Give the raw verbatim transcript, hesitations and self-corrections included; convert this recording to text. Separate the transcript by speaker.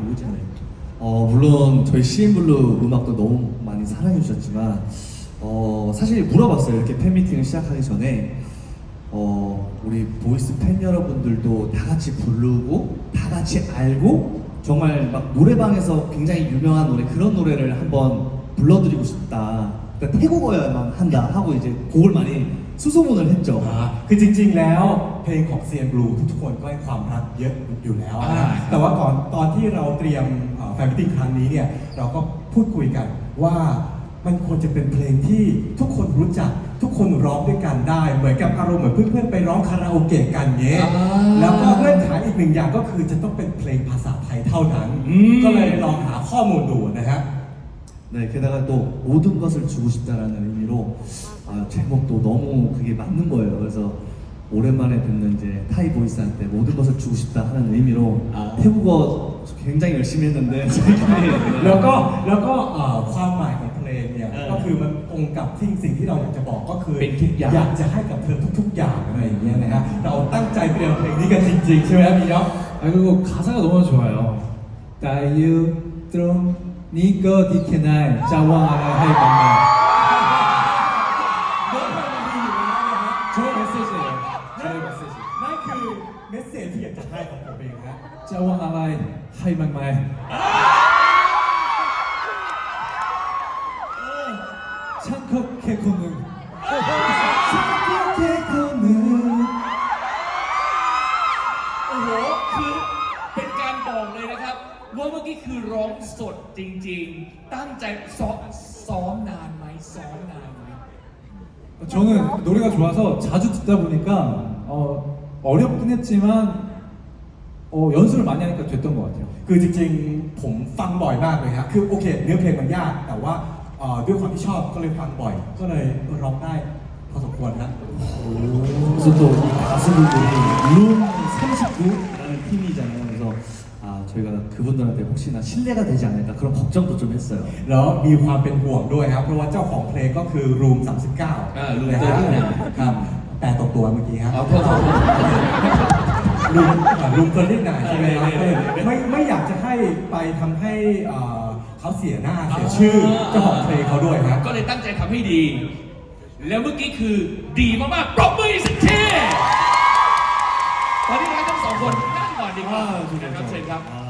Speaker 1: 오리지널.
Speaker 2: 어, 물론 저희 씨엔블루 음악도 너무 많이 사랑해 주셨지만 어, 사실 물어봤어요. 이렇게 팬미팅을 시작하기 전에 어, 우리 보이스 팬 여러분들도 다 같이 부르고 다 같이 알고 정말 막 노래방에서 굉장히 유명한 노래 그런 노래를 한번 불러드리고 싶다. 그러니까 태국어야만 한다 하고 이제 곡을 많이 수소문을 했죠.
Speaker 3: อ่าคือจริงๆแล้วเพลงของ ซี เอ็น Blue ทุกๆคนก็ให้ความรักเยอะอยู่แล้วนะ
Speaker 1: อ่า
Speaker 3: แต่ว่าก่อนตอนที่เราเตรียมแฟนมิตติ้งครั้งนี้เนี่ยเราก็พูดคุยกันว่ามันควรจะเป็นเพลงที่ทุกคนรู้จักทุกคนร้องด้วยกันได้เหมือนกับอารมณ์เหมือนเพื่อนๆไปร้องคาราโอเกะกันเงี้ยแล้วก็เงื่อนไขอีกหนึ่งอย่างก็คือจะต้องเป็นเพลงภาษาไทยเท่านั้นก็เลยลองหาข้อมูลดูนะฮะ
Speaker 2: 네, 게다가 또 모든 것을 주고 싶다라는 의미로 아, 제목도 너무 그게 맞는 거예요. 그래서 오랜만에 듣는 이제 타이 보이스한테 모든 것을 주고 싶다 하는 의미로
Speaker 1: 아.
Speaker 2: 태국어 굉장히 열심히 했는데 저희끼리
Speaker 3: แล้วก็แล้วก็เอ่อความหมายของเพลงเนี่ย
Speaker 1: เออ
Speaker 3: ก็คือมันตรงกับที่สิ่งที่เราอยากจะบอกก็คือ
Speaker 1: เป็นทุกอย่าง
Speaker 3: อยากจะให้กับเธอทุกๆอย่างอะไรอย่างเงี้ยนะฮะเราตั้งใจเตรียมเพลงนี้กันจริงๆใช่ไหมครับพี่ยอ
Speaker 4: 아 그리고 가사가 너무 좋아요. 다이유 좀 니거 디케나이 자왕아라 하이방마. 저의 메시지예요. 저의 메시지.
Speaker 3: นั่นคือเมสเซจที่อยากจะให้ของผมเองนะ
Speaker 4: 자왕아라 하이방마이. 창컵 캐코는. 창컵 캐코는.
Speaker 1: โอ้โหคือเป็นการบอกเลยนะครับว่าเมื่อกี้คือร้องสดจริงๆ ตั้งใจซ้อมซ้อมนานไหมซ้อมนานไหม
Speaker 4: 저는 노래가 좋아서 자주 듣다 보니까 어, 어렵긴 했지만 어, 연습을 많이 하니까 됐던 것 같아요.
Speaker 3: คือจริงๆผมฟังบ่อยมากเลยครับคือโอเคเนื้อเพลงมันยากแต่ว่าเอ่อด้วยความที่ชอบก็เลยฟังบ่อย ก็เลยร้องได้พอสมควรนะ
Speaker 2: 그래서 또 이 가수분들이 룸 삼십구라는 팀이잖아요. 그래서 아, 저희가 그분들한테 혹시나 신뢰가 되지 않을까 그런 걱정도 좀 했어요.
Speaker 3: แล้วมีความเป็นห่วงด้วยครับเพราะว่าเจ้าของเพลงก็คือ Room สามสิบเก้า
Speaker 1: อ่า Room
Speaker 3: นะฮะ
Speaker 1: สามสิบเก้า
Speaker 3: ครับแปลตกตัวเมื่อกี้ครับ
Speaker 1: เอาพอเขา
Speaker 3: รูมรูมเฟอร์นิชใช่ไหมครับ
Speaker 1: เออเออเออ
Speaker 3: ไม่ไม่อยากจะให้ไปทำให้เอ่อเขาเสียหน้าเสียชื่อเจ้าของเพลงเขาด้วยครับ
Speaker 1: ก็เลยตั้งใจทำให้ดี แล้วเมื่อกี้คือดีมากๆปรบมืออีกสักทีตอนนี้นะครับทั้งสองคนนั่งก่อนดีกว่านะครับเชิญครับ
Speaker 2: 아,